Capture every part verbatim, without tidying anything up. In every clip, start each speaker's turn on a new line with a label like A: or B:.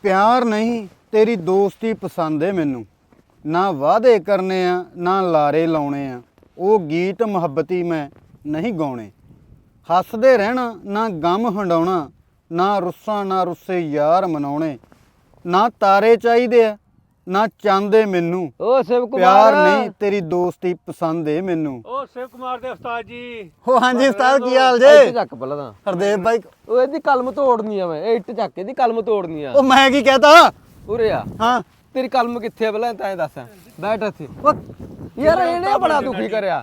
A: ਪਿਆਰ ਨਹੀਂ ਤੇਰੀ ਦੋਸਤੀ ਪਸੰਦ ਏ ਮੈਨੂੰ। ਨਾ ਵਾਅਦੇ ਕਰਨੇ ਆ ਨਾ ਲਾਰੇ ਲਾਉਣੇ ਆ, ਉਹ ਗੀਤ ਮੁਹੱਬਤੀ ਮੈਂ ਨਹੀਂ ਗਾਉਣੇ। ਹੱਸਦੇ ਰਹਿਣਾ ਨਾ ਗਮ ਹੰਡਾਉਣਾ, ਨਾ ਰੁੱਸਾਂ ਨਾ ਰੁੱਸੇ ਯਾਰ ਮਨਾਉਣੇ। ਨਾ ਤਾਰੇ ਚਾਹੀਦੇ ਆ ਨਾ ਚਾਹੁੰਦੇ ਮੈਨੂੰ,
B: ਓ ਸ਼ਿਵ ਕੁਮਾਰ
A: ਪਿਆਰ ਨਹੀਂ ਤੇਰੀ ਦੋਸਤੀ ਪਸੰਦ ਏ ਮੈਨੂੰ।
C: ਓ ਸ਼ਿਵ ਕੁਮਾਰ ਦੇ ਉਸਤਾਦ ਜੀ।
A: ਹੋ ਹਾਂਜੀ ਉਸਤਾਦ ਕੀ ਹਾਲ
B: ਇੱਟ
A: ਜੇ?
B: ਚੱਕ ਪਹਿਲਾਂ ਤਾਂ
A: ਹਰਦੇਵ ਬਾਈ।
B: ਉਹ ਇਹਦੀ ਕਲਮ ਤੋੜਨੀ ਆ ਮੈਂ, ਇਹ ਇੱਟ ਚੱਕ ਇਹਦੀ ਕਲਮ ਤੋੜਨੀ ਆ।
A: ਉਹ ਮੈਂ ਕੀ ਕਹਤਾ?
B: ਉਰੇ ਆ,
A: ਹਾਂ
B: ਤੇਰੀ ਕਲਮ ਕਿੱਥੇ ਆ ਪਹਿਲਾਂ ਤਾਂ ਇਹ ਦੱਸ। ਬੈਠ ਇੱਥੇ। ਉਹ ਯਾਰ ਇਹਨੇ ਬੜਾ ਦੁਖੀ ਕਰਿਆ।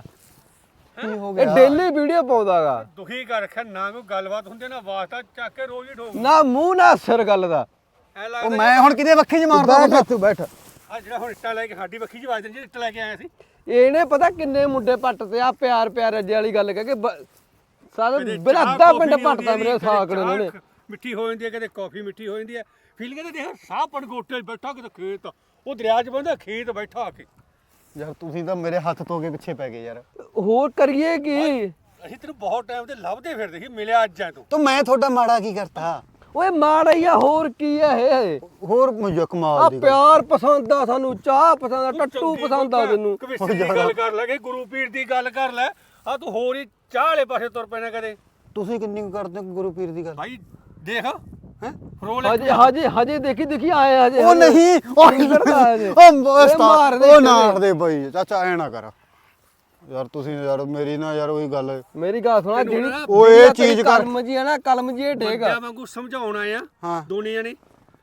A: ਕੀ ਹੋ
B: ਇਹ ਡੇਲੀ ਵੀਡੀਓ ਪਾਉਂਦਾਗਾ।
C: ਦੁਖੀ ਕਰ ਰੱਖਿਆ, ਨਾ ਕੋਈ ਗੱਲਬਾਤ ਹੁੰਦੀ ਨਾ ਵਾਸਤਾ ਚੱਕ ਕੇ ਰੋਜ਼ ਹੀ ਠੋਕ।
B: ਨਾ ਮੂੰਹ ਨਾ ਸਿਰ ਗੱਲ ਦਾ।
C: ਐ
A: ਉਹ
C: ਲੱਗਦਾ
A: ਮੈਂ ਹੁਣ ਕਿਹਦੇ ਵੱਖੀ ਚ ਮਾਰਦਾ?
B: ਬੈਠ ਤੂੰ ਬੈਠ।
C: ਆ ਜਿਹੜਾ ਹੁਣ ਇੱਟਾਂ ਲੈ ਕੇ ਸਾਡੀ ਵੱਖੀ ਚ ਵੱਜਦੇ ਜਿਹੜੇ ਇੱਟ ਲੈ ਕੇ ਆਏ ਸੀ।
B: ਇਹਨੇ ਪਤਾ ਕਿੰਨੇ ਮੁੰਡੇ ਪੱਟ ਤੇ ਆ ਪਿਆਰ ਪਿਆਰ ਅੱਜੇ ਵਾਲੀ ਗੱਲ ਕਹਿ ਕੇ ਬ- ਸਾਰਾ
C: ਕਦੇ
B: ਬਿਨਾਂ
C: ਚਾਹ
B: ਅੱਧਾ
C: ਕੌਫੀ
B: ਪਿੰਡ
C: ਨਹੀਂ
B: ਪੱਟਦਾ
C: ਆਉਂਦੀ
B: ਮੇਰੇ
C: ਕਦੇ
B: ਸਾਕੜੇ
C: ਚਾਹ
B: ਨੇ।
C: ਮਿੱਠੀ ਹੋ ਜਾਂਦੀ ਹੈ, ਕਦੇ ਕਾਫੀ ਮਿੱਠੀ ਹੋ ਜਾਂਦੀ ਹੈ। ਫੀਲ ਕਹਿੰਦੇ ਦੇਖ ਸਾਹ ਪਣਗੋਟੇ 'ਚ ਬੈਠਾ ਕਿਤੇ ਖੇਤ, ਉਹ ਦਰਿਆ 'ਚ ਬੰਦਾ ਖੇਤ ਬੈਠਾ ਆ ਕੇ।
A: ਯਾਰ ਤੁਸੀਂ ਤਾਂ ਮੇਰੇ ਹੱਥ ਧੋ ਕੇ ਪਿੱਛੇ ਪੈ ਗਏ ਯਾਰ।
B: ਹੋਰ ਕਰੀਏ ਕੀ?
C: ਅਸੀਂ ਤੈਨੂੰ ਬਹੁਤ ਟਾਈਮ ਤੇ ਲੱਭਦੇ ਫਿਰਦੇ ਸੀ, ਮਿਲਿਆ ਅੱਜ ਐ ਤੂੰ।
A: ਤੂੰ ਮੈਂ ਤੁਹਾਡਾ ਮਾੜਾ ਕੀ ਕਰਤਾ?
B: ਓਏ ਮਾੜਾ ਹੀ ਆ, ਹੋਰ ਕੀ ਆ ਇਹ?
A: ਹੋਰ ਮੁਝੇ
B: ਆ
A: ਕਮਾਲ ਦੀ ਗੱਲ।
B: ਪਿਆਰ ਪਸੰਦ ਆ ਸਾਨੂੰ, ਚਾਹ ਪਸੰਦ ਆ, ਟੱਟੂ
C: ਚੰਗੀ
B: ਪਸੰਦ ਆ ਤੈਨੂੰ।
C: ਕਵਿਸ਼ਰੀ ਦੀ ਗੱਲ ਕਰ ਲੈ, ਕਿ ਗੁਰੂ ਪੀਰ ਦੀ ਗੱਲ ਕਰ ਲੈ। ਆ ਤੂੰ ਹੋਰ ਹੀ ਚਾਹ ਵਾਲੇ ਪਾਸੇ ਤੁਰ ਪੈਣਾ ਕਦੇ।
A: ਤੁਸੀਂ ਕਿੰਨੀ ਕੁ ਕਰਦੇ ਹੋ ਗੁਰੂ ਪੀਰ ਦੀ ਗੱਲ?
C: ਭਾਈ ਦੇਖ ਹੈ ਫਰੋਲ
B: ਹਜੇ ਹਜੇ ਹਜੇ ਦੇਖੀ ਦੇਖੀ ਆਏ ਹਜੇ।
A: ਉਹ ਨਹੀਂ
B: ਕੀ ਕਰਦਾ ਹਜੇ?
A: ਉਹ
B: ਇਹ
A: ਉਸਤਾਦ,
B: ਮਾਰਦੇ
A: ਉਹ ਨਾ
B: ਕਿਵੇਂ?
A: ਹਟਦੇ ਬਾਈ ਚਾਚਾ ਐ ਨਾ ਕਰ ਯਾਰ। ਤੁਸੀਂ ਯਾਰ ਮੇਰੀ ਨਾ ਯਾਰ ਉਹੀ ਗੱਲ।
B: ਮੇਰੀ ਗੱਲ ਸੁਣਾ,
C: ਤੈਨੂੰ
B: ਜਿਹੜੀ
C: ਨਾ
A: ਉਹ ਇਹ ਚੀਜ਼ ਕਰ।
B: ਕਲਮ ਜੀ ਆ ਨਾ, ਕਲਮ ਜੀ ਇਹ ਡੇਗ
C: ਬੰਦਿਆਂ ਵਾਂਗੂ ਸਮਝਾਉਣ ਆਏ ਆ
A: ਹਾਂ।
C: ਦੋਨੇ ਜਣੇ।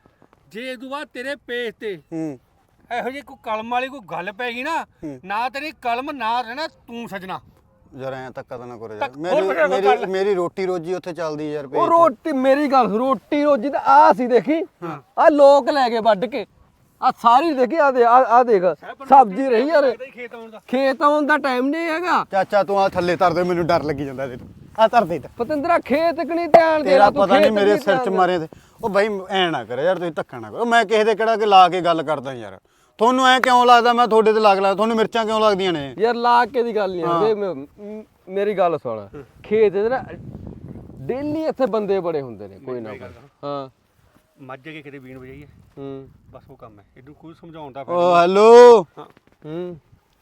C: ਜੇ ਇਹ ਤੋਂ ਬਾਅਦ ਤੇਰੇ ਪੇਜ ਤੇ
A: ਹੂੰ
C: ਇਹੋ ਜਿਹੀ ਕੋਈ ਕਲਮ ਵਾਲੀ ਕੋਈ ਗੱਲ ਪੈ ਗਈ ਨਾ, ਨਾ ਤੇਰੀ ਕਲਮ ਨਾ ਰਹਿਣਾ ਤੂੰ ਸਜਣਾ।
A: ਯਾਰ ਐ ਧੱਕਾ ਤਾਂ ਨਾ ਕਰੋ ਯਾਰ।
C: ਧੱਕ- ਹੋਰ
A: ਮੇਰੀ
C: ਬੜਾ
A: ਮੇਰੀ
C: ਗੱਲ।
A: ਮੇਰੀ ਰੋਟੀ ਰੋਜੀ ਉੱਥੇ ਚੱਲਦੀ ਯਾਰ।
B: ਉਹ
A: ਪੇਟ
B: ਰੋਟੀ ਮੇਰੀ ਗੱਲ, ਰੋਟੀ ਰੋਜੀ ਤਾਂ ਆ ਸੀ ਦੇਖੀ, ਆ ਲੋਕ ਲੈ ਕੇ ਵੱਢ ਕੇ ਆ ਸਾਰੀ ਦੇਖੀ, ਆ ਦੇ ਆ ਦੇਖ ਸਬਜ਼ੀ ਰਹੀ ਯਾਰ।
C: ਲੱਗਦਾ ਹੀ ਖੇਤ ਆਉਣ ਦਾ।
B: ਖੇਤ ਆਉਣ ਦਾ ਟਾਈਮ ਨਹੀਂ ਹੈਗਾ।
A: ਚਾਚਾ ਤੂੰ ਆ ਥੱਲੇ ਧਰ ਦੇ, ਮੈਨੂੰ ਡਰ ਲੱਗੀ ਜਾਂਦਾ ਤੈਨੂੰ। ਆ ਧਰ ਦੇ ਇੱਧਰ।
B: ਪਤੰਦਰਾ ਖੇਤ ਕਣੀ ਧਿਆਨ ਦੇ
A: ਤੇਰਾ
B: ਲਾ ਤੂੰ,
A: ਪਤਾ ਨਹੀਂ
B: ਖੇਤ
A: ਮੇਰੇ
B: ਕਨੀ
A: ਸਿਰ 'ਚ
B: ਧਿਆਨ ਦੇ।
A: ਮਾਰੇ ਤੇ। ਉਹ ਬਾਈ ਐ ਨਾ ਕਰ ਯਾਰ, ਤੁਸੀਂ ਧੱਕਾ ਨਾ ਕਰੋ। ਮੈਂ ਕਿਸੇ ਦੇ ਕਿਹੜਾ ਕਿ ਲਾ ਕੇ ਗੱਲ ਕਰਦਾ ਯਾਰ। ਤੁਹਾਨੂੰ ਐ ਕਿਉਂ ਲੱਗਦਾ ਮੈਂ ਤੁਹਾਡੇ ਤੇ ਲੱਗ ਲਾ? ਤੁਹਾਨੂੰ ਮਿਰਚਾਂ ਕਿਉਂ ਲੱਗਦੀਆਂ ਨੇ?
B: ਯਾਰ ਲਾ ਕੇ ਦੀ ਗੱਲ ਨਹੀਂ ਆਉਂਦੀ। ਮ- ਮੇਰੀ ਗੱਲ ਸੁਣ, ਖੇਤ ਦੇ ਨਾ ਡੇਲੀ ਇੱਥੇ ਬੰਦੇ ਬੜੇ ਹੁੰਦੇ ਨੇ ਕੋਈ ਨਾ ਕੋਈ। ਹਾਂ
C: ਮੱਝ ਕੇ ਕਿਤੇ ਬੀਣ ਵਜਾਈਏ,
B: ਹੂੰ
C: ਬਸ ਉਹ ਕੰਮ ਹੈ। ਇਹਨੂੰ ਕੋਈ ਸਮਝਾਉਣ ਦਾ
A: ਓ ਹੈਲੋ
C: ਹਾਂ
B: ਹੂੰ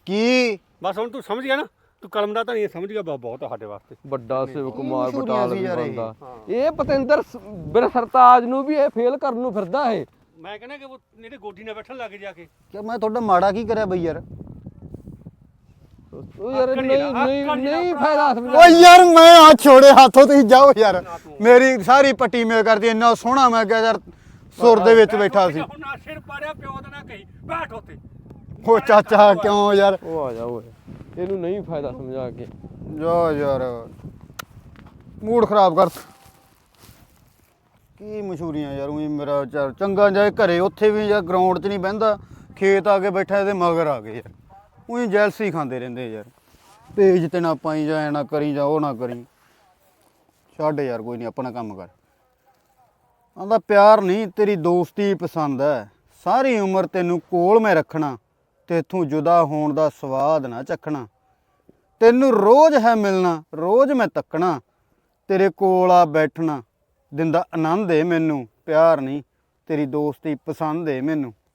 A: ਕੀ
C: ਬਸ ਹੁਣ ਤੂੰ ਸਮਝ ਗਿਆ ਨਾ, ਤੂੰ ਕਲਮ ਦਾ ਤਾਂ ਨਹੀਂ ਸਮਝ ਗਿਆ, ਬਹੁਤ ਬਹੁਤ ਆ ਸਾਡੇ ਵਾਸਤੇ।
B: ਵੱਡਾ ਸ਼ਿਵ ਕੁਮਾਰ
A: ਮਸ਼ਹੂਰੀਆਂ
B: ਬਟਾਲ
A: ਸੀ
B: ਵੀ
A: ਯਾਰ ਇਹ।
B: ਬੰਦਾ ਇਹ ਪਤਿੰਦਰ ਬਿਰ ਸਰਤਾਜ ਨੂੰ ਵੀ ਇਹ ਫੇਲ ਕਰਨ ਨੂੰ ਫਿਰਦਾ ਇਹ।
C: ਮੈਂ ਕਹਿੰਦਾ ਕਿ ਉਹ ਨੇੜੇ ਗੋਡੀ ਨਾਲ ਬੈਠਣ ਲੱਗ ਜਾ ਕੇ।
A: ਕਿ ਮੈਂ ਤੁਹਾਡਾ ਮਾੜਾ ਕੀ ਕਰਿਆ ਬਈ ਯਾਰ?
B: ਉਹ ਯਾਰ
C: ਆਕੜ
B: ਨਹੀਂ
C: ਜਿਹੜਾ-
B: ਨਹੀਂ
C: ਆਕੜ
B: ਨਹੀਂ
C: ਜਿਹੜਾ
B: ਫਾਇਦਾ ਸਮਝਾ।
A: ਓ ਯਾਰ ਮੈਂ ਆ ਛੋੜੇ ਹੱਥੋਂ, ਤੁਸੀਂ ਜਾਓ ਯਾਰ। ਮੇਰੀ ਸਾਰੀ ਪੱਟੀ ਮੇਲ ਕਰਦੀ, ਇੰਨਾ ਸੋਹਣਾ ਮੈਂ ਕਿਹਾ ਯਾਰ ਸੁਰ ਦੇ ਵਿੱਚ ਬੈਠਾ ਸੀ।
C: ਹੁਣ ਨਾ ਸਿਰ ਪਾੜਿਆ ਪਿਓ ਦਾ ਨਾ ਕਹੀ, ਬੈਠ ਉੱਤੇ।
A: ਓ ਚਾਚਾ ਕਿਉਂ ਯਾਰ?
B: ਉਹ ਆ ਜਾ ਓਏ, ਇਹਨੂੰ ਨਹੀਂ ਫਾਇਦਾ ਸਮਝਾ ਕੇ।
A: ਜਾ ਯਾਰ ਮੂਡ ਖਰਾਬ ਕਰ। ਕੀ ਮਸ਼ਹੂਰੀਆਂ ਯਾਰ। ਉਹੀ ਮੇਰਾ ਚੱਲ ਚੰਗਾ ਜਾਏ ਘਰੇ, ਉੱਥੇ ਵੀ ਯਾਰ ਗਰਾਊਂਡ 'ਚ ਨਹੀਂ ਬਹਿੰਦਾ, ਖੇਤ ਆ ਕੇ ਬੈਠਾ ਇਹਦੇ ਮਗਰ ਆ ਗਏ ਯਾਰ। ਉਹੀ ਜੈਲਸੀ ਖਾਂਦੇ ਰਹਿੰਦੇ ਯਾਰ। ਪੇਜ ਤੇ ਨਾ ਪਾਈ ਜਾ, ਐ ਨਾ ਕਰੀ ਜਾ, ਉਹ ਨਾ ਕਰੀ। ਛੱਡ ਯਾਰ, ਕੋਈ ਨਹੀਂ, ਆਪਣਾ ਕੰਮ ਕਰ। ਆਂਦਾ ਪਿਆਰ ਨਹੀਂ ਤੇਰੀ ਦੋਸਤੀ ਪਸੰਦ ਹੈ, ਸਾਰੀ ਉਮਰ ਤੈਨੂੰ ਕੋਲ ਮੈਂ ਰੱਖਣਾ, ਤੇ ਇੱਥੋਂ ਜੁਦਾ ਹੋਣ ਦਾ ਸਵਾਦ ਨਾ ਚੱਖਣਾ। ਤੈਨੂੰ ਰੋਜ਼ ਹੈ ਮਿਲਣਾ, ਰੋਜ਼ ਮੈਂ ਤੱਕਣਾ, ਤੇਰੇ ਕੋਲ ਆ ਬੈਠਣਾ, ਦਿੰਦਾ ਆਨੰਦ ਏ ਮੈਨੂੰ। ਪਿਆਰ ਨਹੀਂ ਤੇਰੀ ਦੋਸਤੀ ਪਸੰਦ ਏ ਮੈਨੂੰ।